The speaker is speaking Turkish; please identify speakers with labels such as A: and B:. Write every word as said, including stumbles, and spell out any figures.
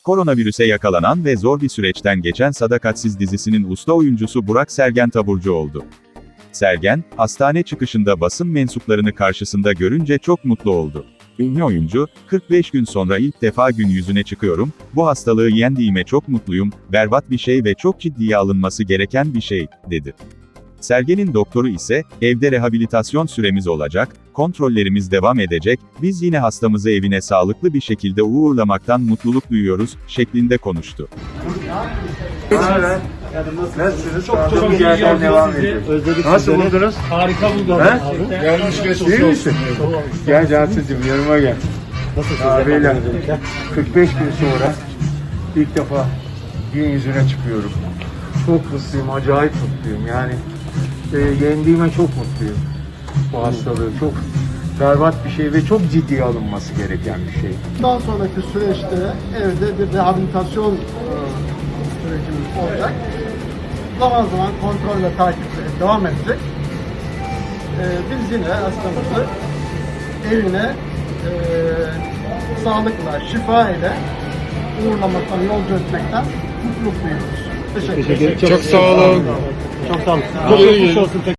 A: Koronavirüse yakalanan ve zor bir süreçten geçen Sadakatsiz dizisinin usta oyuncusu Burak Sergen taburcu oldu. Sergen, hastane çıkışında basın mensuplarını karşısında görünce çok mutlu oldu. Ünlü oyuncu, kırk beş gün sonra ilk defa gün yüzüne çıkıyorum, bu hastalığı yendiğime çok mutluyum, berbat bir şey ve çok ciddiye alınması gereken bir şey, dedi. Sergen'in doktoru ise, evde rehabilitasyon süremiz olacak, kontrollerimiz devam edecek, biz yine hastamızı evine sağlıklı bir şekilde uğurlamaktan mutluluk duyuyoruz, şeklinde konuştu.
B: Nasılsınız? Çok çok iyi devam ediyor.
C: Özledik
B: Nasıl
C: sizleri.
B: buldunuz?
C: Harika buldum.
B: He?
C: Gelmiş geçmiş
B: İyi
C: olsun.
B: misin? Gel Cansu'cum yanıma gel.
C: Nasılsınız?
B: Abiyle
C: efendim?
B: kırk beş gün sonra ilk defa gün yüzüne çıkıyorum. Çok mutluyum, acayip mutluyum. Yani e, yendiğime çok mutluyum. Bu hastalığı çok berbat bir şey ve çok ciddiye alınması gereken bir şey.
D: Bundan sonraki süreçte evde bir rehabilitasyon e, sürecimiz olacak. Zaman zaman kontrol ve takiple devam edecek. E, biz yine hastamızı evine e, sağlıkla, şifa ile uğurlamaktan, yolcu etmekten mutluluk duyuyoruz. Teşekkür ederim.
C: Çok sağ olun. Çok sağ olun. Çok geçmiş olsun.